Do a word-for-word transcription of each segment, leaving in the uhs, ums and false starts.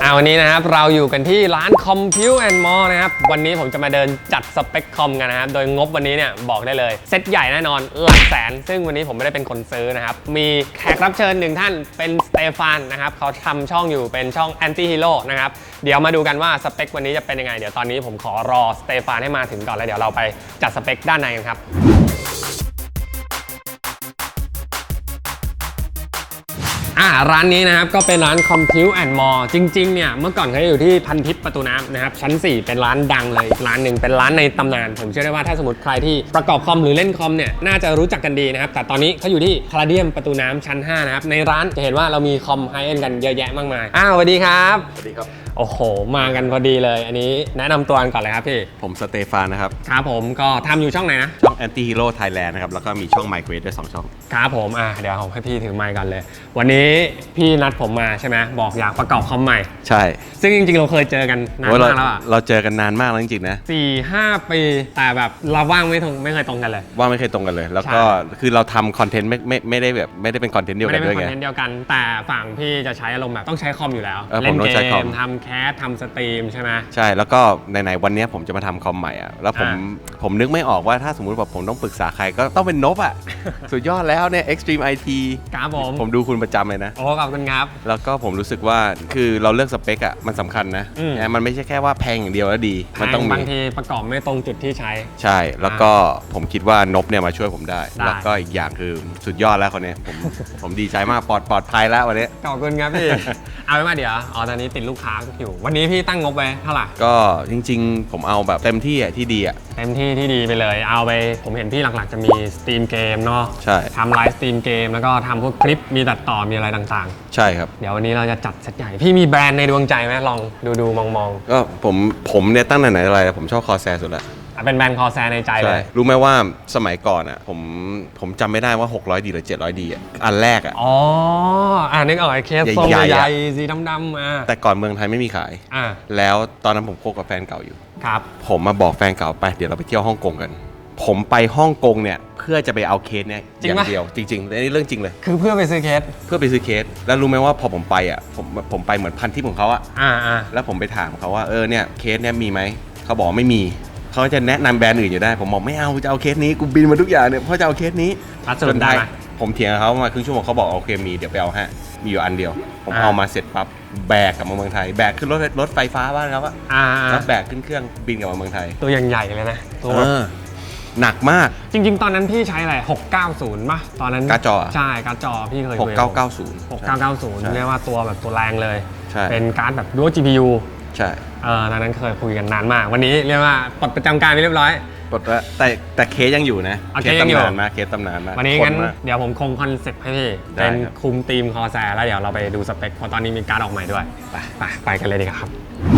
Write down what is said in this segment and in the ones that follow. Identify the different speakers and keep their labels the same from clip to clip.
Speaker 1: อ่าวันนี้นะครับเราอยู่กันที่ร้าน Compute and More นะครับวันนี้ผมจะมาเดินจัดสเปคคอมกันนะครับโดยงบวันนี้เนี่ยบอกได้เลยเซตใหญ่แน่นอนหลักแสนซึ่งวันนี้ผมไม่ได้เป็นคนซื้อนะครับมีแขกรับเชิญหนึ่งท่านเป็นสเตฟานนะครับเขาทำช่องอยู่เป็นช่อง Anti Hero นะครับเดี๋ยวมาดูกันว่าสเปควันนี้จะเป็นยังไงเดี๋ยวตอนนี้ผมขอรอสเตฟานให้มาถึงก่อนแล้วเดี๋ยวเราไปจัดสเปคด้านในกันครับอ่าร้านนี้นะครับก็เป็นร้าน Compute and More จริงๆเนี่ยเมื่อก่อนเขาอยู่ที่พันทิพย์ประตูน้ำนะครับชั้นสี่เป็นร้านดังเลยร้านหนึ่งเป็นร้านในตำนานผมเชื่อได้ว่าถ้าสมมติใครที่ประกอบคอมหรือเล่นคอมเนี่ยน่าจะรู้จักกันดีนะครับแต่ตอนนี้เขาอยู่ที่คาราเดียมประตูน้ำชั้นห้านะครับในร้านจะเห็นว่าเรามีคอมไฮเอ็นด์กันเยอะแยะมากมายอ้าวสวัสดีครับ
Speaker 2: สวัสดีครับ
Speaker 1: โอ้โหมากันพอดีเลยอันนี้แนะนำตัวกันก่อนเลยครับพี่
Speaker 2: ผมสเตฟานนะครับ
Speaker 1: ครับผมก็ทำอยู่ช่องไหนนะ
Speaker 2: ช่อง Anti Hero Thailand นะครับแล้วก็มีช่อง Migrate ด้วยสองช่อง
Speaker 1: ครับผมอ่ะเดี๋ยวผมให้พี่ถือไมค์กันเลยวันนี้พี่นัดผมมาใช่ไหมบอกอยากประกอบคอมใหม่
Speaker 2: ใช่
Speaker 1: ซึ่งจริงๆเราเคยเจอกันนานมากแล้วอะ
Speaker 2: เราเจอกันนานมากแล้วจริงๆนะ
Speaker 1: สี่ห้าปีแต่แบบเราว่างไม่ตรงไม่เคยตรงกันเลย
Speaker 2: ว่างไม่เคยตรงกันเลยแล้วก็คือเราทำคอนเทนต์ไม่ไม่ไม่ได้แบบไม่ได้เป็นคอนเทนต์เดียวกันด้วยไง
Speaker 1: ไม่ได้เป็นคอนเทนต์เดียวกันแต่ฝั่งพี่จะใช้อารมณ์แบบต้องใช้คอมอยู่แล้ว
Speaker 2: เล่นเกม
Speaker 1: ทำแคสทำสตรีมใช่ไหม
Speaker 2: ใช่แล้วก็ไหนๆวันนี้ผมจะมาทำคอมใหม่อ่ะแล้วผมผมนึกไม่ออกว่าถ้าสมมุติว่าผมต้องปรึกษาใครก็ต้องเป็นนบอ่ะ สุดยอดแล้วเนี่ย Extreme ไอ ที
Speaker 1: ครับผม
Speaker 2: ผมดูคุณประจำเลยนะ
Speaker 1: โอ้ขอบคุณครับ
Speaker 2: แล้วก็ผมรู้สึกว่าคือเราเลือกสเปคอ่ะมันสำคัญนะมันไม่ใช่แค่ว่าแพงอย่างเดียวแล้วดี
Speaker 1: มันต้องบางทีประกอบไม่ตรงจุดที่ใช้
Speaker 2: ใช่แล้วก็ผมคิดว่านบเนี่ยมาช่วยผมได้แล้วก็อีกอย่างคือสุดยอดแล้วคนนี้ผมผมดีใจมากปลอดปลอดภัยแล้ววันนี้
Speaker 1: ขอบคุณครับพี่ เอาไว้มาเดี๋ยวอ๋อตอนนี้ติดลูกค้าอยู่วันนี้พี่ตั้งงบไว้เท่าไหร่
Speaker 2: ก็จริงๆผมเอาแบบเต็มที่อ่ะที่ดีอ่ะ
Speaker 1: เต็มที่ที่ดีไปเลยเอาไปผมเห็นพี่หลักๆจะมีสตรีมเกมเนาะ
Speaker 2: ใช่
Speaker 1: ทำไลฟ์สตรีมเกมแล้วก็ทำพวกคลิปมีตัดต่อมีอะไรต่าง
Speaker 2: ๆใช่ครับ
Speaker 1: เดี๋ยววันนี้เราจะจัดเซตใหญ่พี่มีแบรนด์ในดวงใจไหมลองดูดูมองมอง
Speaker 2: ก็ผมผมเนี่ยตั้งแต่ไหนอะไรผมชอบคอแซร์สุดละ
Speaker 1: เป็นแบรนด์คอแซร์ในใจเลย
Speaker 2: รู้ไหมว่าสมัยก่อนอ่ะผมผมจำไม่ได้ว่าหกร้อยดีหรือเจ็ดร้อยดีอ่ะอันแรกอ่ะ
Speaker 1: อ๋ออ่านึกออกไอ้เคสทรงใหญ่สีดำๆอ่ะ
Speaker 2: แต่ก่อนเมืองไทยไม่มีขาย
Speaker 1: อ่า
Speaker 2: แล้วตอนนั้นผมคบกับแฟนเก่าอยู่
Speaker 1: ครับ
Speaker 2: ผมมาบอกแฟนเก่าไปเดี๋ยวเราไปเที่ยวฮ่องกงกันผมไปฮ่องกงเนี่ยเพื่อจะไปเอาเคสเนี่ยอย่างเดียวจริงๆอันนี้เรื่องจริงเลย
Speaker 1: คือเพื่อไปซื้อเคส
Speaker 2: เพื่อไปซื้อเคสแล้วรู้ไหมว่าพอผมไปอ่ะผมผมไปเหมือนพันทิปของเขาอ่ะ
Speaker 1: อ่าอ่า
Speaker 2: แล้วผมไปถามเขาว่าเออเนี่ยเคสเนี่ยมีไหมเขาบอกไม่มีเขาจะแนะนำแบรนด์อื่นอยู่ได้ผมบอกไม่เอาจะเอาเคสนี้กูบินมาทุกอย่างเนี่ยเพราะจะเอาเคสนี้
Speaker 1: จนได้
Speaker 2: ผมเถียงกับเขามาครึ่งชั่วโมงเขาบอกโอเคมีเดี๋ยวไปเอาฮะมีอยู่อันเดียวผมเอามาเสร็จปั๊บแบกกลับมาเมืองไทยแบกขึ้นรถรถไฟฟ้าบ้านเขาอะแล้วแบกขึ้นเครื่องบินกลับมาเมืองไทย
Speaker 1: ตัวใหญ่เลยนะตัว
Speaker 2: หนักมาก
Speaker 1: จริงๆตอนนั้นพี่ใช้อะไรหกเก้าศูนย์ป่ะตอนนั้น
Speaker 2: การ์ดจอ
Speaker 1: ใช่การ์ดจอพี่เคย
Speaker 2: หกเก้าเก้าศูนย์
Speaker 1: หกเก้าเก้าศูนย์เรียกว่าตัวแบบตัวแรงเลย
Speaker 2: ใช่
Speaker 1: เป็นการ์ดแบบดู จี พี ยู
Speaker 2: ใช่
Speaker 1: เออตอนนั้นเคยคุยกันนานมากวันนี้เรียกว่าปลดประจำการไปเรียบร้อย
Speaker 2: ปลดแล้วแต่แต่เคสยังอยู่นะ
Speaker 1: เคสตำ
Speaker 2: นานมากเคสตำนานมาก
Speaker 1: วันนี้งั้นเดี๋ยวผมคงคอนเซ็ปต์ให้พี่เป็นคุมทีมคอแซร์แล้วเดี๋ยวเราไปดูสเปคเพราะตอนนี้มีการ์ดออกใหม่ด้วยไปไปไปกันเลยดีครับ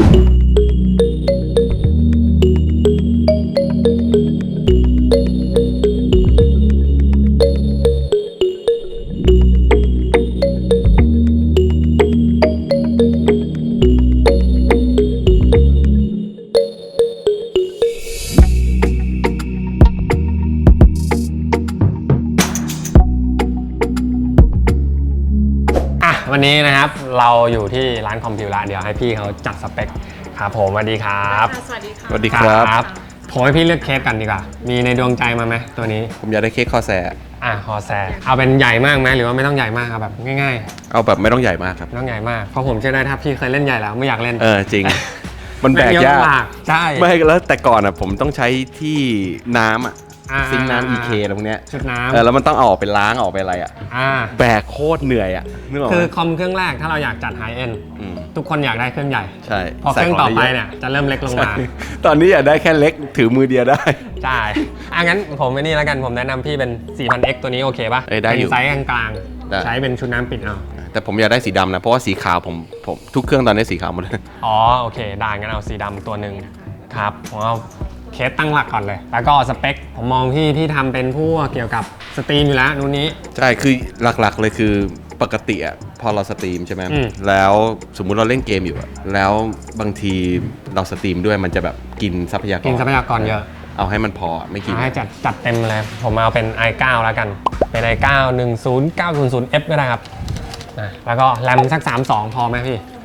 Speaker 1: วันนี้นะครับเราอยู่ที่ร้านคอมพิวละเดี๋ยวให้พี่เขาจัดสเปคครับผมสวัสดีครับ
Speaker 3: สวัสดีครับ
Speaker 2: สวัสดีครับ
Speaker 1: ผมให้พี่เลือกเคสกันดีกว่ามีในดวงใจมาไหมตัวนี้
Speaker 2: ผมอยากได้เคสคอแซร์
Speaker 1: อ่ะคอแซร์เอาเป็นใหญ่มากไหมหรือว่าไม่ต้องใหญ่มากครับแบบง่าย
Speaker 2: ๆเอาแบบไม่ต้องใหญ่มากครับ
Speaker 1: ไม่ต้องใหญ่มากเพราะผมเชื่อได้ถ้าพี่เคยเล่นใหญ่แล้วไม่อยากเล่น
Speaker 2: เออจริงมันแบกยาก
Speaker 1: ใช่
Speaker 2: ไม่แล้วแต่ก่อนอ่ะผมต้องใช้ที่น้ำอ่ะซิงน้ำ อี เค อะไรพวกเนี้ย
Speaker 1: ชุดน้
Speaker 2: ำเออแล้วมันต้องเอาออกไปล้างออกไปอะไรอ่ะแบกโคตรเหนื่อยอ่ะนึกออก
Speaker 1: คือคอมเครื่องแรกถ้าเราอยากจัดไฮเอ็นทุกคนอยากได้เครื่องใหญ่
Speaker 2: ใช่
Speaker 1: พอเครื่องต่อไปเนี่ยจะเริ่มเล็กลงมา
Speaker 2: ตอนนี้อยากได้แค่เล็กถือมือเดียวได้
Speaker 1: ใช่อ่ะงั้นผมไม่นี่แล้วกันผมแนะนำพี่เป็น สี่พันเอ็กซ์ ตัวนี้โอเคป่ะเป็นไซส์กลางๆใช้เป็นชุดน้ำปิดเอา
Speaker 2: แต่ผมอยากได้สีดำนะเพราะว่าสีขาวผมผมทุกเครื่องตอนนี้สีขาวหมดเลย
Speaker 1: อ๋อโอเคได้งั้นเอาสีดำตัวหนึ่งครับผมเอาเคสตั้งหลักก่อนเลยแล้วก็สเปคผมมองพี่พี่ทำเป็นพวกเกี่ยวกับสตรีมอยู่แล้วนู่นนี้
Speaker 2: ใช่คือหลักๆเลยคือปกติอ่ะพอเราสตรีมใช่ไหมแล้วสมมุติเราเล่นเกมอยู่อะแล้วบางทีเราสตรีมด้วยมันจะแบบกินทรัพยากร
Speaker 1: กินทรัพยากรเยอะ
Speaker 2: เอาให้มันพอไม่กิน
Speaker 1: ให้จัดจัดเต็มเลยผมเอาเป็น ไอ ไนน์ แล้วกันเป็น ไอ ไนน์ หนึ่งศูนย์เก้าศูนย์ศูนย์ เอฟ ก็ได้ครับแล้วก็แรมสักสามสิบสองพอไหมพี่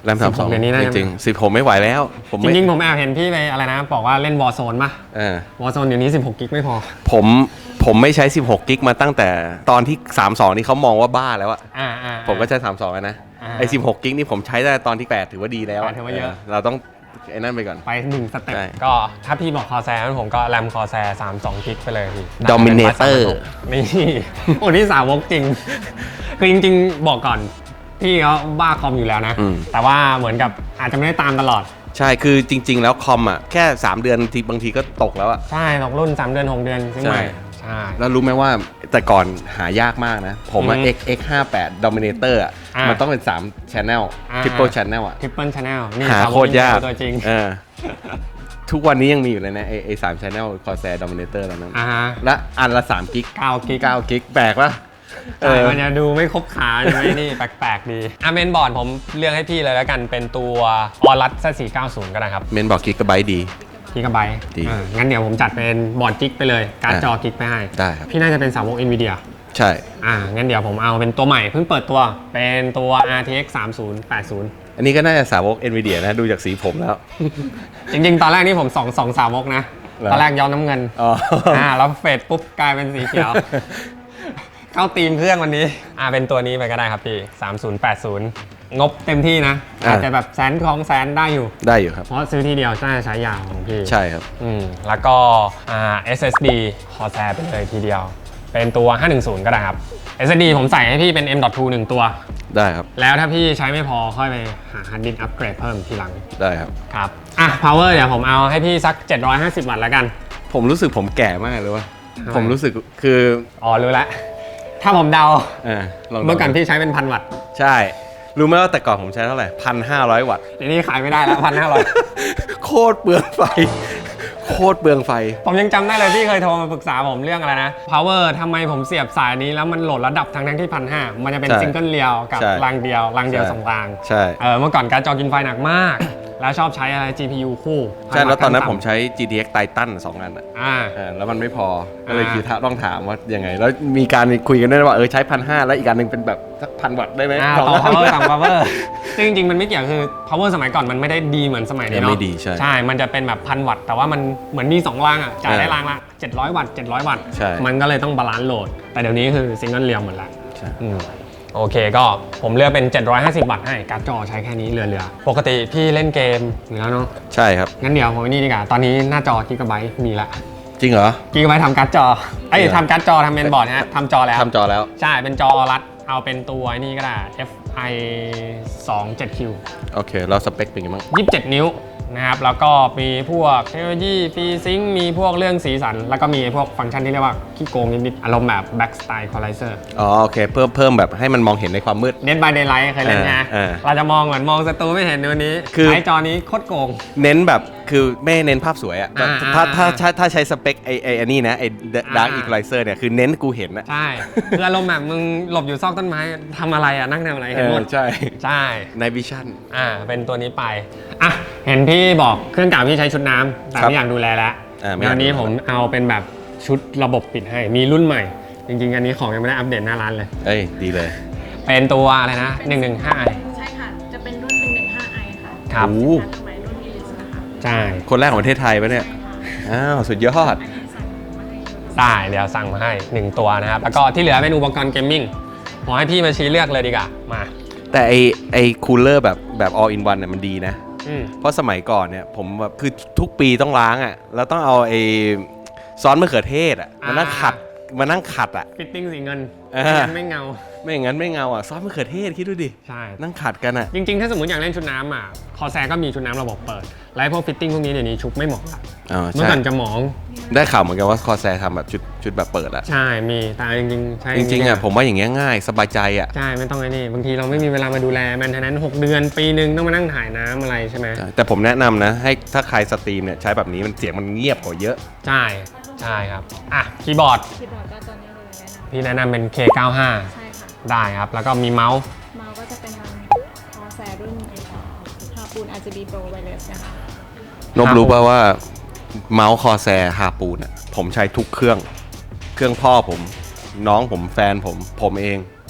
Speaker 2: แรมสามสอง
Speaker 1: เดี๋ยวนี้น่า
Speaker 2: จ
Speaker 1: จะ
Speaker 2: ริงๆสิบหกไม่ไหวแล้วผม
Speaker 1: จ
Speaker 2: ไม่
Speaker 1: ริงๆผมแอบเห็นพี่ไปอะไรนะบอกว่าเล่น Warzone ป่ะ
Speaker 2: เออ
Speaker 1: Warzone เดี๋ยวนี้สิบหกกิกไม่พอ
Speaker 2: ผมผมไม่ใช้สิบหกกิกมาตั้งแต่ตอนที่สามสิบสองนี่เขามองว่าบ้าแล้วอะ
Speaker 1: อ่าอ่า
Speaker 2: ผมก็ใช้สามสิบสองแล้วนะ
Speaker 1: อ่า
Speaker 2: ไอ้สิบหกกิกนี่ผมใช้ได้ตอนที่แปดถือว่าดีแล้ว
Speaker 1: แปดถือว่าเยอะ
Speaker 2: เราต้องไอ้นั่นไปก่อน
Speaker 1: ไปหนึ่งสเต็ป
Speaker 2: ใช่
Speaker 1: ก็ถ้าพี่บอกคอแซร์ผมก็แรมคอแซร์สามสิบสองกิกไปเลยพี่
Speaker 2: Dominator
Speaker 1: นี่ โอ้นี่สาวกจริง คือจริงๆบอกก่อนพี่เขาบ้าคอมอยู่แล้วนะ
Speaker 2: อืม
Speaker 1: แต่ว่าเหมือนกับอาจจะไม่ได้ตามตลอด
Speaker 2: ใช่คือจริง ๆ แล้วคอมอ่ะแค่สามเดือนทีบางทีก็ตกแล้วอะ
Speaker 1: ใช่ตกรุ่นสามเดือนหกเดือนซื้อใหม่
Speaker 2: ใช่
Speaker 1: ใช่
Speaker 2: แล้วรู้ไหมว่าแต่ก่อนหายากมากนะ ผมอะ
Speaker 1: อืม
Speaker 2: X X ห้าสิบแปด Dominator อ่ะ
Speaker 1: อ่ามั
Speaker 2: มันต้องเป็นสาม Channel
Speaker 1: อ่า
Speaker 2: Triple Channel อ่ะ
Speaker 1: ทริปเปิลชาแนลนี่
Speaker 2: หาโคตรยาก
Speaker 1: ตัวจริง
Speaker 2: เออทุกวันนี้ยังมีอยู่เลยนะไอไอสาม Channel Corsair Dominator แล้วนั้น
Speaker 1: อ่าฮะ
Speaker 2: และอันละสามกิก
Speaker 1: เก้ากิก
Speaker 2: เก้ากิกแปลกปะเอ
Speaker 1: ใช่
Speaker 2: อ
Speaker 1: มันจะดูไม่ครบขาใช่ไหมนี่ แปลกๆดีอ่ะเมนบอร์ดผมเลือกให้พี่เลยแล้วกันเป็นตัวออรัสสี่เก้าศูนย์ก็ได้ครับ
Speaker 2: เมนบอกกิกะไบต์ดี
Speaker 1: กิกะไบต์
Speaker 2: ดี
Speaker 1: อ่างั้นเดี๋ยวผมจัดเป็นบอร์ดกิกไปเลย การ์ด
Speaker 2: อ่ะ
Speaker 1: จอกิกไปให้
Speaker 2: ได้ครับ
Speaker 1: พี่น่าจะเป็นสาวก Nvidia
Speaker 2: ใช่
Speaker 1: อ่างั้นเดี๋ยวผมเอาเป็นตัวใหม่เพิ่งเปิดตัวเป็นตัว อาร์ ที เอ็กซ์ สามศูนย์แปดศูนย์
Speaker 2: อันนี้ก็น่าจะสาวก Nvidia นะดูจากสีผมแล้ว
Speaker 1: จริงๆ ตอนแรกนี่ผมสองสองสาวกนะ
Speaker 2: เหรอ
Speaker 1: ตอนแรกย้อมน้ำเงิน
Speaker 2: อ๋อ
Speaker 1: อ่าแล้วเฟดปุ๊บกลายเป็นสีเขียว เข้าตีมเครื่องวันนี้อ่าเป็นตัวนี้ไปก็ได้ครับพี่สามศูนย์แปดศูนย์งบเต็มที่นะ
Speaker 2: อ่า
Speaker 1: อาจจะแบบแสนคลองแสนได้อยู่
Speaker 2: ได้อยู่ครับ
Speaker 1: เพราะซื้อทีเดียวน่าจะใช้ยาวของพี่
Speaker 2: ใช่ครับ
Speaker 1: อืมแล้วก็อ่า เอส เอส ดี Corsair ไปเลยทีเดียว เป็นตัว ห้าหนึ่งศูนย์ ก็ได้ครับ เอส เอส ดี ผมใส่ให้พี่เป็น เอ็ม ดอท ทู หนึ่งตัว
Speaker 2: ได้ครับ
Speaker 1: แล้วถ้าพี่ใช้ไม่พอค่อยไปหาฮาร์ดดิสก์อัปเกรดเพิ่มทีหลัง
Speaker 2: ได้ครับ
Speaker 1: ครับอ่ะ power เดี๋ยวผมเอาให้พี่สัก เจ็ดร้อยห้าสิบ วัตต์แล้วกัน
Speaker 2: ผมรู้สึกผมแก่มากเลยว่ะ
Speaker 1: ทำไม
Speaker 2: ผมรู้สึกคือ
Speaker 1: อ๋อ รู้แล้ว ถ้าผมเดา
Speaker 2: เออลองดู
Speaker 1: เมื่อก่อนพี่ใช้เป็นพันวัตต์
Speaker 2: ใช่ รู้ไหมว่าแต่ก่อนผมใช้เท่าไหร่พันห้าร้อยวัตต์
Speaker 1: เดี๋ยวนี้ขายไม่ได้แล้วพันห้าร้อย
Speaker 2: โคตรเปลืองไฟ โคตรเปลืองไฟ
Speaker 1: ผมยังจำได้เลยพี่เคยโทรมาปรึกษาผมเรื่องอะไรนะ power ทำไมผมเสียบสายนี้แล้วมันโหลดระดับทั้งทั้งที่พันห้ามันจะเป็น
Speaker 2: ใช่
Speaker 1: ซิงเกิลเรียวกับ
Speaker 2: ใช่
Speaker 1: รางเดียวรางเดียว
Speaker 2: ใช่
Speaker 1: สองราง
Speaker 2: ใช่
Speaker 1: เออเมื่อก่อนการดจอกินไฟหนักมาก แล้วชอบใช้อะไร จี พี ยู คู่
Speaker 2: ใช่แล้วตอนนั้นผม
Speaker 1: ใช้
Speaker 2: ใช้ จี ที เอ็กซ์ Titan สองอันอ่ะ
Speaker 1: อ่า
Speaker 2: เออแล้วมันไม่พอ ก็เลย
Speaker 1: อ่า
Speaker 2: คือต้องถามว่ายังไง แล้วมีการคุยกันด้วยว่าเออใช้พันห้าแล้วอีกอันหนึงเป็นแบบสักพันวัตต์ได้ไหม
Speaker 1: อ่า
Speaker 2: สอง
Speaker 1: ต่อ
Speaker 2: อัน
Speaker 1: power ต่าง power ซึ่งจริงๆ มันไม่เกี่ยวคือ power สมัยก่อนมันไม่ได้ดีเหมือนสมัยนี้
Speaker 2: ยัง
Speaker 1: เนาะ
Speaker 2: ไม่ดีใช่
Speaker 1: ใช่ มันจะเป็นแบบพันวัตต์ แต่ว่ามันเหมือนมีสองรางอ่ะ จ่ายได้
Speaker 2: เออ
Speaker 1: รางละเจ็ดร้อยวัตต์เจ็ดร้อยวัตต์
Speaker 2: ใช่
Speaker 1: มันก็เลยต้องบาลานซ์โหลด แต่เดี๋ยวนี้คือซิงเกิลเรียวหมดแล้ว
Speaker 2: ใช่
Speaker 1: อืมโอเคก็ผมเลือกเป็น เจ็ดร้อยห้าสิบ วัตต์ให้การ์ดจอใช้แค่นี้เหลือๆ ปกติพี่เล่นเกมอยู่แล้วเนาะ
Speaker 2: ใช่ครับ
Speaker 1: งั้นเดี๋ยวผมนี่ดีกว่า ตอนนี้หน้าจอกิกะไบต์มีละ
Speaker 2: จริงเหรอ
Speaker 1: กิกะไบต์ทำการ์ดจอไอ้ย
Speaker 2: จริงเหรอ
Speaker 1: ทำการ์ดจอทำเมนบอร์ดฮะทำจอแล้ว
Speaker 2: ทำจอแล้ว
Speaker 1: ใช่ เป็นจอรัด เอาเป็นตัวไอ้นี่ก็ได้ เอฟ ไอ สองเจ็ดคิว
Speaker 2: โอเคแล้วสเปคเป็นยังไงบ้าง
Speaker 1: ยี่สิบเจ็ด นิ้วนะครับ แล้วก็มีพวกเทคโนโลยีฟรีซิงค์มีพวกเรื่องสีสัน แล้วก็มีพวกฟังก์ชันที่เรียกว่าขี้โกงนิดๆอารมณ์แบบ Back Style Equalizer
Speaker 2: อ๋อโอเคเพิ่มเพิ่มแบบให้มันมองเห็นในความมืด
Speaker 1: Dead by Daylight เคยเล่นไง
Speaker 2: เออเออ
Speaker 1: เราจะมองเหมือนมองศัตรูไม่เห็นในวันนี้
Speaker 2: คือ
Speaker 1: ใช้จอนี้โคตรโกง
Speaker 2: เน้นแบบคือไม่เน้นภาพสวยอะ
Speaker 1: อ่า
Speaker 2: ถ้าถ้า
Speaker 1: อ่า
Speaker 2: ถ้าถ้าใช้สเปคไอไออันนี้นะไอดาร์ก
Speaker 1: อ่า
Speaker 2: อีควอไลเซอร์เนี่ยคือเน้นกูเห็นอะ
Speaker 1: ใช่ คืออารมณ์แบบมึงหลบอยู่ซอกต้นไม้ทำอะไรอ่ะนั่งทำอะไรเห็นหมด
Speaker 2: ใช่
Speaker 1: ใช่
Speaker 2: ในวิชั่น
Speaker 1: อ่า เป็นตัวนี้ไป อ่ะ เห็นพี่บอกเครื่องเก่าพี่ใช้ชุดน้ำแต่
Speaker 2: ครับ
Speaker 1: ไม่อยากดูแลแล้ว
Speaker 2: อ่าไม่อยาก
Speaker 1: วันนี้
Speaker 2: ดูแล
Speaker 1: ผมเอาเป็นแบบชุดระบบปิดให้ มีรุ่นใหม่ จริงๆ อันนี้ของยังไม่ได้อัปเดตหน้าร้านเลย
Speaker 2: เอ้ยดีเลย
Speaker 1: เป็นตัวอะไรนะ หนึ่งหนึ่งห้า
Speaker 3: ใช่ค่ะ จะเป็นรุ่น หนึ่งหนึ่งห้า ไอ ค่ะ
Speaker 1: ครับ
Speaker 2: โอ้
Speaker 3: สมัยรุ่นอีลิสนะคะ
Speaker 1: ใช่
Speaker 2: คนแรกของประเทศไทยปะเนี่ย อ้าว สุดยอด
Speaker 3: อันนี้สั่งมาให้ดู
Speaker 1: ได้เดี๋ยวสั่งมาให้หนึ่งตัวนะครับ แล้วก็ที่เหลือเป็นอุปกรณ์เกมมิ่งขอให้พี่มาชี้เลือกเลยดีกว่า มา
Speaker 2: แต่ไอไอคูลเลอร์แบบแบบ all in one เนี่ยมันดีนะ
Speaker 1: อืม
Speaker 2: เพราะสมัยก่อนเนี่ยผมแบบคือทุกปีต้องล้างอ่ะ แล้วต้องเอาไอซอสมะเขือเทศอ่ะมานั่งขัดมานั่งขัดอ่ะ
Speaker 1: ฟิตติ้งสีเงิน
Speaker 2: อ่า
Speaker 1: ไม่งั้นไม่เงา
Speaker 2: ไม่อย่างนั้นไม่เงาอ่ะ ซอสมะเขือเทศคิดดูดิ
Speaker 1: ใช่
Speaker 2: นั่งขัดกันอ่ะ
Speaker 1: จริงๆ ถ้าสมมติอยากเล่นชุดน้ำอ่ะ คอแซก็มีชุดน้ำระบบเปิด และพวกฟิตติ้งพวกนี้เดี๋ยวนี้ชุบไม่เหมาะละ
Speaker 2: อ๋อ
Speaker 1: เมื่อ
Speaker 2: ใช่
Speaker 1: ก่อนจะหมอง
Speaker 2: ได้ข่าวเหมือนกันว่าคอแซทำแบบชุดชุดแบบเปิดอ่ะ
Speaker 1: ใช่ มี แต่จริงๆ ใช่
Speaker 2: จริงๆอ่ะผมว่าอย่างเงี้ยง่ายสบายใจอ่ะ
Speaker 1: ใช่ ไม่ต้องไอ้นี่ บางทีเราไม่มีเวลามาดูแลแมนเทนแนนซ์หกเดือน ปีหนึ่งต้องมานั่งถ่ายน้ำอะไรใช่ไหม
Speaker 2: แต่ผมแนะนำนะให้ถ้าใครสตรีมเนี่ยใช้แบบนี้มันเสียงมันเงียบกว่าเยอะ
Speaker 1: ใช่ ใช่ครับ อ่ะ คีย์บอร์ด
Speaker 3: คีย์บอร์ดก็ตัวนี้เลยแนะน
Speaker 1: พี่แนะนำเป็น เค เก้าห้า
Speaker 3: ำใช่ค่ะ
Speaker 1: ได้ครับ แล้วก็มีเมาส์
Speaker 3: เมาส์ก็จะเป็นทางคอแซรุ่นฮาปูน อาร์ จี บี Pro Wireless นะคะ
Speaker 2: นบรู้ป่าว่าเมาส์คอแซฮาปูนอ่ะผมใช้ทุกเครื่อง เครื่องพ่อผม น้องผมแฟนผม ผมเอง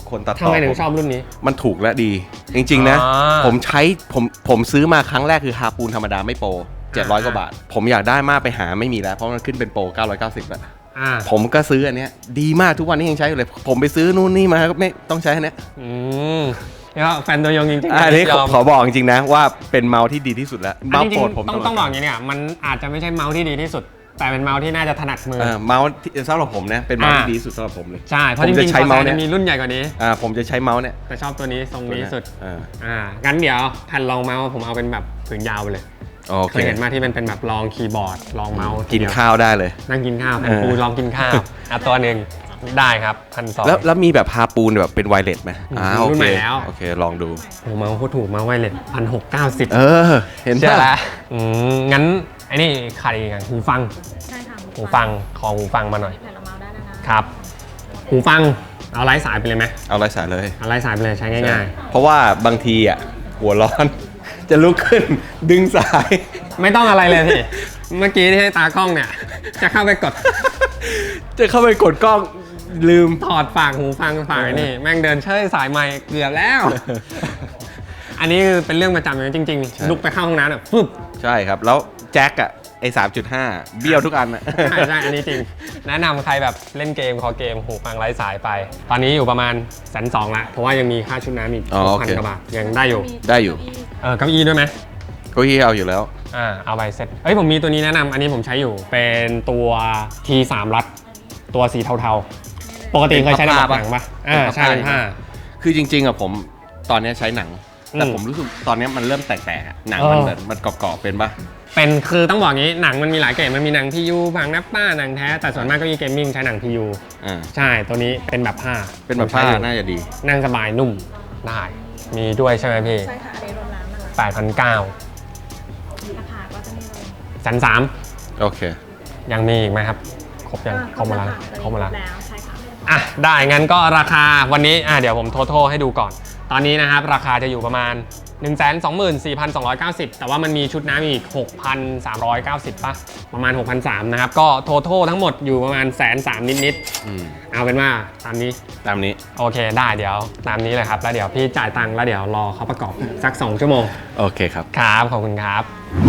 Speaker 2: คนตัดต่อ
Speaker 1: ทำไมถึงชอบรุ่นนี้
Speaker 2: มันถูกและดี จริงๆนะ
Speaker 1: อ่า
Speaker 2: ผมใช้ผมผมซื้อมาครั้งแรกคือฮาปูนธรรมดาไม่โปรเจ็ดร้อยกว่าบาท ผมอยากได้มากไปหาไม่มีแล้วเพราะมันขึ้นเป็นโปรเก้าร้อยเก้าสิบแล้ว
Speaker 1: อ่า
Speaker 2: ผมก็ซื้ออันเนี้ยดีมากทุกวันนี้ยังใช้อยู่เลย ผมไปซื้อนู่นนี่มาก็ไม่ต้องใช้อันเนี้ย
Speaker 1: อืมแล้วแฟนตัวยงจริงๆ
Speaker 2: อันนี้
Speaker 1: ยอม
Speaker 2: ขอบอกจริงๆนะว่าเป็นเมาส์ที่ดีที่สุดแล้ว
Speaker 1: อัน
Speaker 2: เมาส์
Speaker 1: จริ
Speaker 2: โป
Speaker 1: ง
Speaker 2: รดผม
Speaker 1: ๆต้องต้องบอกอย่างนี้เนี่ยมันอาจจะไม่ใช่เมาส์ที่ดีที่สุด แต่เป็นเมาส์ที่น่าจะถนัดมือ
Speaker 2: เออเมาส์ที่สำหรับผมนะเป็นเมาส์ที่
Speaker 1: อ่า
Speaker 2: ดีที่สุดสำหรับผมเลย
Speaker 1: ใช่เพราะ
Speaker 2: ผม
Speaker 1: จ
Speaker 2: จะ
Speaker 1: ริงๆ
Speaker 2: ใช้
Speaker 1: คอ
Speaker 2: เมา
Speaker 1: แซ
Speaker 2: ส์เนี่ย
Speaker 1: มีรุ่นใหญ่กว่านี้
Speaker 2: อ่าผมจะใช้เมาส์เนี่ย
Speaker 1: แต่ชอบตัวนี้ทรงนี้สุด
Speaker 2: อ่า
Speaker 1: อ่างั้นเดี๋ยวแผ่นรองเมาส์ผมเอาเป็นแบบผืนยาวไปเลย
Speaker 2: โอ
Speaker 1: เค
Speaker 2: เค
Speaker 1: ยเห็นมาที่เป็นเป็นแบบรองคีย์บอร์ดรองเมาส์
Speaker 2: กินข้าวได้เลย
Speaker 1: นั่งกินข้าวแผ่น
Speaker 2: เออ
Speaker 1: ปูลองกินข้าวอ่ะตัวหนึ่งได้ครับพันสอง
Speaker 2: แล้วแล้วมีแบบฮาปูนแบบเป็นไวเลสไหมอ่า
Speaker 1: มี
Speaker 2: โอ
Speaker 1: รุ่น
Speaker 2: เค
Speaker 1: ใหม่แล้ว
Speaker 2: โอเคลองดู
Speaker 1: โอ้เมาส์โคตรถูกเมาส์ไวเลสพันหกเก้าสิบ
Speaker 2: เออ เห็น
Speaker 1: เชื่อ
Speaker 2: ปะ
Speaker 1: แล้วอืมงั้นไอ้นี่ขาดอีกอย่างหูฟัง
Speaker 3: ใช่ค่ะ
Speaker 1: หูฟังขอหูฟังมาหน่อย
Speaker 3: แผ่นละเมาส์ได้แล้วนะครับ
Speaker 1: หูฟังเอาไร้สายไปเลยไหม
Speaker 2: เอาไรสายเลย
Speaker 1: เอาไร้สายไปเลยใช้ง่าย
Speaker 2: เพราะว่าบางทีอ่ะหัวร้อน จะลุกขึ้นดึงสาย
Speaker 1: ๆ ไม่ต้องอะไรเลยพี่ เมื่อกี้ที่ให้ตากล้องเนี่ย จะเข้าไปกด
Speaker 2: จะเข้าไปกดกล้องลืม
Speaker 1: ถอดฝากหูฟังฝากไอ้นี่ แม่งเดินเชยสายไมค์เกือบแล้ว อันนี้คือเป็นเรื่องประจำเลยจริง
Speaker 2: ใช่
Speaker 1: ๆ ลุกไปเข้าห้องน้ำแบบฟึบ
Speaker 2: ใช่ครับ แล้วแจ็คอะไอ้สามจุดห้าเบี้ยวทุกอันอะ
Speaker 1: ใช่ใช่อันนี้จริง แนะนำใครแบบเล่นเกมคอเกมหูฟังไร้สายไป ตอนนี้อยู่ประมาณแสนสองละเพราะว่ายังมีค่าชุดน้ำอีก
Speaker 2: อ๋อ
Speaker 1: ห
Speaker 2: โอก
Speaker 1: พัน
Speaker 2: เค
Speaker 1: กว่าบาทยังได้อยู่
Speaker 2: ได้อยู่
Speaker 1: เออเก้าอี้ด้วยไหม
Speaker 2: เก็ยี่เอาอยู่แล้ว
Speaker 1: อ่าเอาไปเซ็ตเอ้ยผมมีตัวนี้แนะนำอันนี้ผมใช้อยู่เป็นตัว ที สาม รัดตัวสีเทาๆ ปกติเคยใช้ในแบบหนังปะอ่าใช่เป็นผ้า
Speaker 2: คือจริงๆอะผมตอนเนี้ยใช้หนัง แต่
Speaker 1: อืม
Speaker 2: ผมรู้สึกตอนเนี้ยมันเริ่มแตกๆอะหนัง
Speaker 1: เออ
Speaker 2: มันแบบมันกรอบๆเป็นปะ
Speaker 1: เป็นคือต้องบอกงี้หนังมันมีหลายเกรดมันมีหนังพียูบางนับป้าหนังแท้แต่ส่วนมากก็มีเกมมิ่งใช้หนังพียู
Speaker 2: อ่า
Speaker 1: ใช่ตัวนี้เป็นแบบผ้า
Speaker 2: เป็นแบบผ้า
Speaker 1: ผมใช้อยู่
Speaker 2: น่าจะดี
Speaker 1: นั่งสบายนุ่มได้มีด้วยใช่ไหมพี่
Speaker 3: ใช่ค่ะอันนี้รวมน้ำนะคะ
Speaker 1: แปดพันเก้า
Speaker 3: ราคาก็จะมีเลย
Speaker 1: แสนสาม
Speaker 2: โอเค
Speaker 1: ยังมีอีกไหมครับ ครบยัง
Speaker 3: อ่า
Speaker 1: ครบหมาแล้ว
Speaker 3: ค่ะ
Speaker 1: ครบหมาแล้ว
Speaker 3: แล้วใช่ค่ะ
Speaker 1: อ่ะได้งั้นก็ราคาวันนี้อ่ะเดี๋ยวผมโทโทให้ดูก่อน ตอนนี้นะครับราคาจะอยู่ประมาณ หนึ่งแสนสองหมื่นสี่พันสองร้อยเก้าสิบ แต่ว่ามันมีชุดน้ำอีก หกพันสามร้อยเก้าสิบ ป่ะ ประมาณ หกพันสามร้อย นะครับ ก็โทโททั้งหมดอยู่ประมาณแสนสามนิด
Speaker 2: อืม
Speaker 1: ๆ เอาเป็นว่าตามนี้
Speaker 2: ตามนี้
Speaker 1: โอเคได้เดี๋ยวตามนี้เลยครับ แล้วเดี๋ยวพี่จ่ายตังค์แล้วเดี๋ยวรอเขาประกอบสัก สอง ชั่วโมง
Speaker 2: โอเคครับ
Speaker 1: ครับ ขอบคุณครับ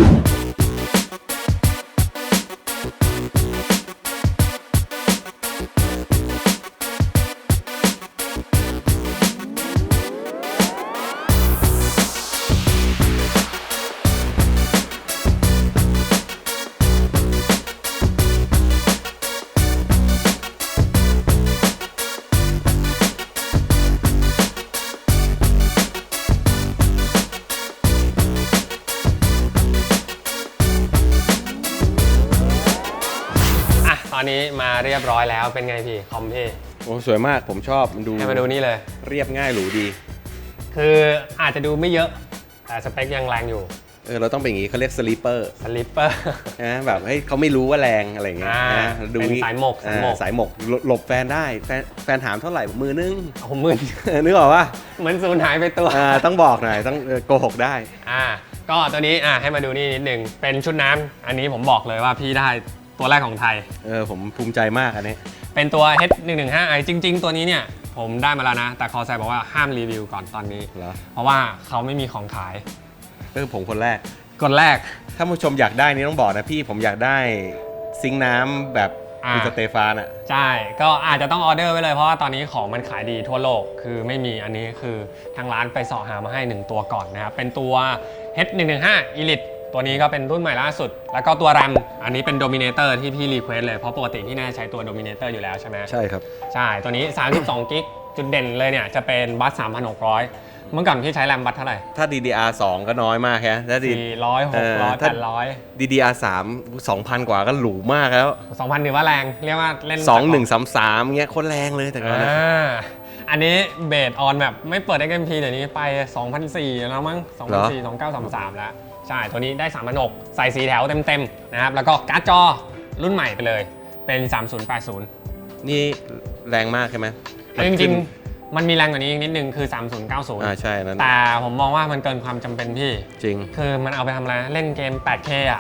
Speaker 1: อ่ะ ตอนนี้มาเรียบร้อยแล้วเป็นไงพี่คอมพี่
Speaker 2: โอ้สวยมากผมชอบมันดู
Speaker 1: ให้มาดูนี่เลย
Speaker 2: เรียบง่ายหรูดี
Speaker 1: คืออาจจะดูไม่เยอะ แต่สเปคยังแรงอยู่
Speaker 2: เออเราต้องเป็นอย่างนี้เขาเรียกสลีปเปอร์
Speaker 1: สลิปเปอร์
Speaker 2: นะแบบเฮ้ยเขาไม่รู้ว่าแรงอะไรอย่างเงี้ย
Speaker 1: อ่า
Speaker 2: นะดู
Speaker 1: เป็น
Speaker 2: งี้
Speaker 1: สายหมกสายหมก
Speaker 2: อ่าสายหมกหลบหลบแฟนได้แฟนแฟนถามเท่าไหร่มือนึง
Speaker 1: เอาหมื่น
Speaker 2: นึกออกปะ
Speaker 1: เหมือนสูญหายไปตัว
Speaker 2: อ่าต้องบอกหน่อยต้องเออโกหกได้
Speaker 1: อ่า ก็ตัวนี้อ่าให้มาดูนี่นิดนึง เป็นชุดน้ำ อันนี้ผมบอกเลยว่าพี่ได้ตัวแรกของไทย
Speaker 2: เออผมภูมิใจมากอันนี้
Speaker 1: เป็นตัว เอช หนึ่งหนึ่งห้าไอ จริง ๆ ตัวนี้เนี่ย ผมได้มาแล้วนะ แต่คอแซบอกว่าห้ามรีวิวก่อนตอนนี้
Speaker 2: เหรอ
Speaker 1: เพราะว่าเขาไม่มีของขาย
Speaker 2: เออผมคนแรก
Speaker 1: กดแรก
Speaker 2: ถ้าผู้ชมอยากได้นี่ต้องบอกนะพี่ผมอยากได้ซิงค์น้ำแบบ
Speaker 1: อ่า
Speaker 2: คุณสเตฟานอ่ะ
Speaker 1: ใช่ ก็อาจจะต้องออเดอร์ไว้เลย เพราะว่าตอนนี้ของมันขายดีทั่วโลก คือไม่มีอันนี้คือทางร้านไปเสาะหามาให้หนึ่งตัวก่อนนะครับ เป็นตัว เอช หนึ่งหนึ่งห้า Elite ตัวนี้ก็เป็นรุ่นใหม่ล่าสุด แล้วก็ตัว RAM อันนี้เป็น Dominator ที่พี่รีเควสเลย เพราะปกติพี่น่าจะใช้ตัว Dominator อยู่แล้วใช่ไหม
Speaker 2: ใช่ครับ
Speaker 1: ใช่ ตัวนี้ สามสิบสอง กิก จุดเด่นเลยเนี่ยจะเป็นบัสสามพันหกร้อย เมื่อก่อนพี่ใช้แรมบัสเท่าไหร่
Speaker 2: ถ้า ดี ดี อาร์ สองก็น้อยมากแค่ถ้า
Speaker 1: สี่ร้อยหกร้อยแปดร้อย
Speaker 2: ดี ดี อาร์ สาม สองพัน กว่าก็หรูมากแล้ว
Speaker 1: สองพันถือว่าแรง เรียกว่าเล่น
Speaker 2: สองหนึ่งสามสามเงี้ยโคตรแรงเลยแต่ก่อนนะ
Speaker 1: อ่าอันนี้เบสออนแบบไม่เปิด เอ็กซ์ เอ็ม พี เดี๋ยวนี้ไป สองพันสี่ร้อย แล้วมั้ง สองพันสี่ร้อย สองพันเก้าร้อยสามสิบสาม แล้ว ใช่ ตัวนี้ได้ สามพันหกร้อย ใส่สีแถวเต็มๆนะครับ แล้วก็การ์ดจอรุ่นใหม่ไปเลย เป็น สามศูนย์แปดศูนย์
Speaker 2: นี่แรงมากใช่ไหม
Speaker 1: แต่จริงๆ มันมีแรงกว่านี้อีกนิดนึงคือ สามศูนย์เก้าศูนย์
Speaker 2: อ่าใช่นั่น
Speaker 1: แต่ผมมองว่ามันเกินความจำเป็นพี่
Speaker 2: จริง
Speaker 1: คือมันเอาไปทำอะไร เล่นเกม แปดเค อ่ะ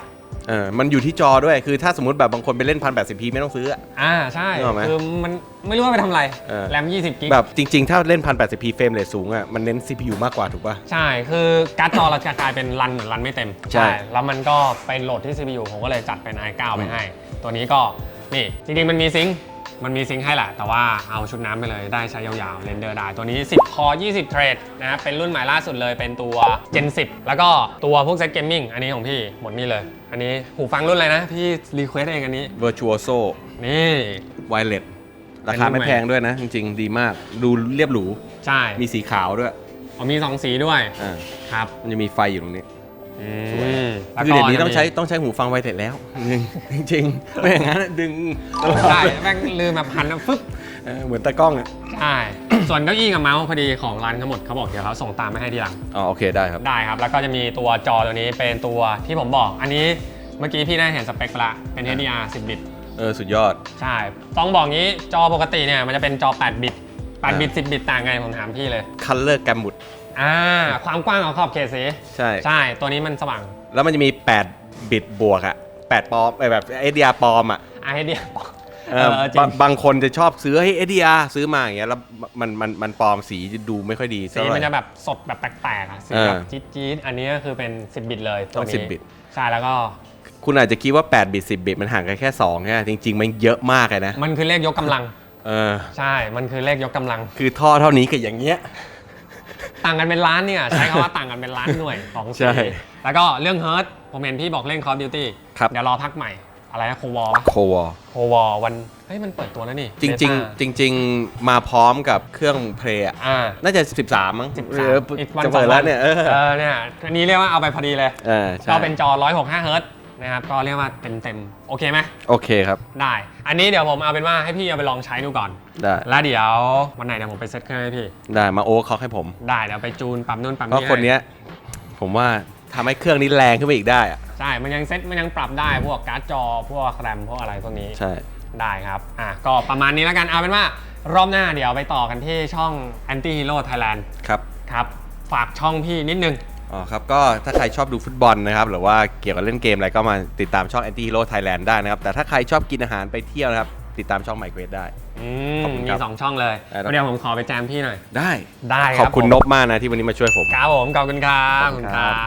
Speaker 2: เออมันอยู่ที่จอด้วยคือถ้าสมมติแบบบางคนไปเล่น หนึ่งพันแปดสิบพี ไม่ต้องซื้ออะ
Speaker 1: อ่าใช่
Speaker 2: นึกออกไหม
Speaker 1: คือมันไม่รู้ว่าไปทำอะไร
Speaker 2: เออ
Speaker 1: แรมยี่สิบกิก
Speaker 2: แบบจริงๆ ถ้าเล่น หนึ่งพันแปดสิบพี เฟรมเรทสูงอะมันเน้น ซี พี ยู มากกว่าถูกป่ะ
Speaker 1: ใช่คือการ์ดจอเราจะกลายเป็นรันเหมือนรันไม่เต็ม
Speaker 2: ใช่
Speaker 1: แล้วมันก็ไปโหลดที่ ซี พี ยู ผมก็เลยจัดเป็น ไอ ไนน์ ไปให้ ตัวนี้ก็นี่จริงๆมันมีซิงค์มันมีซิงค์ให้แหละแต่ว่าเอาชุดน้ำไปเลยได้ใช้ยาวๆเรนเดอร์ได้ตัวนี้สิบคอร์ยี่สิบเทรดนะครับเป็นรุ่นใหม่ล่าสุดเลยเป็นตัว Gen สิบแล้วก็ตัวพวกเซตเกมมิ่งอันนี้ของพี่หมดนี่เลย อันนี้หูฟังรุ่นอะไรนะพี่รีเควสเองอันนี้
Speaker 2: Virtuoso
Speaker 1: นี่
Speaker 2: Wireless ราคาไม่แพงด้วยนะ จริงๆ ดีมากดูเรียบหรู
Speaker 1: ใช่
Speaker 2: มีสีขาวด้วย
Speaker 1: อ๋อมีสองสีด้วย
Speaker 2: อ่า
Speaker 1: ครับ
Speaker 2: มันจะมีไฟอยู่ตรงนี้
Speaker 1: อืม
Speaker 2: สวย
Speaker 1: แล้ว
Speaker 2: คือ
Speaker 1: ก็
Speaker 2: เดี๋ยวนี้
Speaker 1: จะ
Speaker 2: ต้อง
Speaker 1: มี
Speaker 2: ใช้ต้องใช้หูฟังไวเลสแล้ว จริงๆไม่อย่างนั้นดึง
Speaker 1: ใช่แม่งลืมแบบหันแล้วฟึ๊บ
Speaker 2: เออเหมือนตากล้องอ่ะ
Speaker 1: ใช่ ส่วนเก้าอี้กับเมาส์พอดีของร้านทั้งหมดเขาบอกเดี๋ยวเขาส่งตามมาให้ทีหลัง
Speaker 2: อ๋อโอเคได้ครับ
Speaker 1: ได้ครับ แล้วก็จะมีตัวจอตัวนี้เป็นตัวที่ผมบอก อันนี้เมื่อกี้พี่ได้เห็นสเปคไปละเป็น เอช ดี อาร์ สิบ บิต
Speaker 2: เออสุดยอด
Speaker 1: ใช่ ต้องบอกงี้จอปกติเนี่ยมันจะเป็นจอ แปด บิต แปด บิต สิบ บิตต่างไงผมถามพี่เลย
Speaker 2: Color Gamut
Speaker 1: อ่า ความกว้างของขอบเขตสี
Speaker 2: ใช่
Speaker 1: ใช่ ตัวนี้มันสว่าง
Speaker 2: แล้วมันจะมีแปดบิตบวกอ่ะแปดปลอมไอ้แบบ เอส ดี อาร์ ปลอมอ่ะ
Speaker 1: ไอเดีย
Speaker 2: เออ
Speaker 1: จริ
Speaker 2: บาง งบางคนจะชอบซื้อให้ เอส ดี อาร์ ซื้อมาอย่างเงี้ยแล้วมันมันมันปลอมสีจะดูไม่ค่อยดี
Speaker 1: สี
Speaker 2: เท่าไหร่
Speaker 1: มันจะแบบสดแบบแปลกๆอ่ะสี
Speaker 2: เออ
Speaker 1: แบบจี๊ดๆอันนี้ก็คือเป็น สิบ บิตเลยตัว
Speaker 2: ต้อง
Speaker 1: นี้
Speaker 2: สิบบิต
Speaker 1: ใช่แล้วก็
Speaker 2: คุณอาจจะคิดว่าแปดบิตสิบบิตมันห่างกันแค่สองแค่จริง ๆ มันเยอะมากเลยนะ
Speaker 1: มันคือเลขยกกำลัง
Speaker 2: เออ
Speaker 1: ใช่ มันคือเลขยกกำลัง
Speaker 2: คือท่อเท่านี้กับอย่างเงี้ย
Speaker 1: ต่างกันเป็นล้านเนี่ย ใช้คำว่าต่างกันเป็นล้านหน่วยของ
Speaker 2: ใช่
Speaker 1: สีแล้วก็เรื่องเฮิร์ตผมเห็นพี่บอกเล่น Call of Duty
Speaker 2: ครับ
Speaker 1: เดี๋ยวรอพักใหม่ อะไรนะโควอล
Speaker 2: โควอ
Speaker 1: โควอลวัน เฮ้ย มันเปิดตัวแล้วนี่
Speaker 2: จริง ๆ จริง ๆ มาพร้อมกับเครื่องเพลย์อะ
Speaker 1: อ่า
Speaker 2: น่าจะสิบสามมั้ง
Speaker 1: สิบ
Speaker 2: เอ
Speaker 1: สาม
Speaker 2: อ
Speaker 1: อีกวัน
Speaker 2: จะ
Speaker 1: สอ
Speaker 2: เปิด
Speaker 1: ง
Speaker 2: แล้
Speaker 1: วั
Speaker 2: วน เนี่ยเออ
Speaker 1: เออเนี่ยอันนี้เรียกว่าเอาไปพอดีเลย
Speaker 2: เออใช่
Speaker 1: ก็เป็นจอหนึ่งร้อยหกสิบห้าเฮิร์ตนะครับ ก็เรียกว่าเต็มๆ โอเคไหม
Speaker 2: โอเคครับ
Speaker 1: ได้ อันนี้เดี๋ยวผมเอาเป็นว่าให้พี่เอาไปลองใช้ดูก่อน
Speaker 2: ได้
Speaker 1: แล้วเดี๋ยววันไหนเดี๋ยวผมไปเซ็ตเครื่องให้พี่
Speaker 2: ได้มาโอ๊คเขาให้ผม
Speaker 1: ได้เดี๋ยวไปจูนปรับนู่นปรับ
Speaker 2: เพราะ
Speaker 1: นี่
Speaker 2: คนเนี้ยผมว่าทำให้เครื่องนี้แรงขึ้นไปอีกได้อะ
Speaker 1: ใช่ มันยังเซ็ตมันยังปรับได้พวกการ์ดจอพวกแรมพวกอะไรพวกนี้
Speaker 2: ใช่
Speaker 1: ได้ครับ อ่ะ ก็ประมาณนี้แล้วกัน เอาเป็นว่ารอบหน้าเดี๋ยวไปต่อกันที่ช่อง Anti Hero Thailand
Speaker 2: ครับ
Speaker 1: ครับ ฝากช่องพี่นิดนึง
Speaker 2: อ๋อครับก็ถ้าใครชอบดูฟุตบอลนะครับหรือว่าเกี่ยวกับเล่นเกมอะไรก็มาติดตามช่อง Anti Hero Thailand ได้นะครับแต่ถ้าใครชอบกินอาหารไปเที่ยวนะครับติดตามช่อง My Quest ได้
Speaker 1: อื
Speaker 2: ข
Speaker 1: ม
Speaker 2: อบคุณ
Speaker 1: มี
Speaker 2: ครับ
Speaker 1: สองช่องเลย
Speaker 2: ได้ครับ
Speaker 1: เดี๋ยวผมขอไปแจมพี่หน่อย
Speaker 2: ได้
Speaker 1: ได้
Speaker 2: ขอบคุณ
Speaker 1: ผม
Speaker 2: นบมากนะที่วันนี้มาช่วยผม
Speaker 1: ครับผม ขอบคุณครับ
Speaker 2: ขอบคุณครับ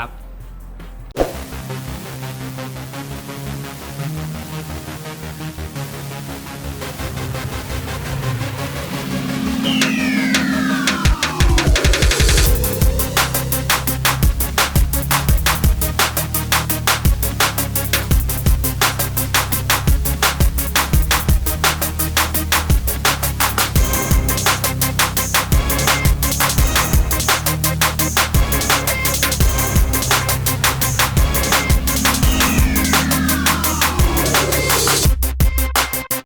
Speaker 1: ขอบคุณครับ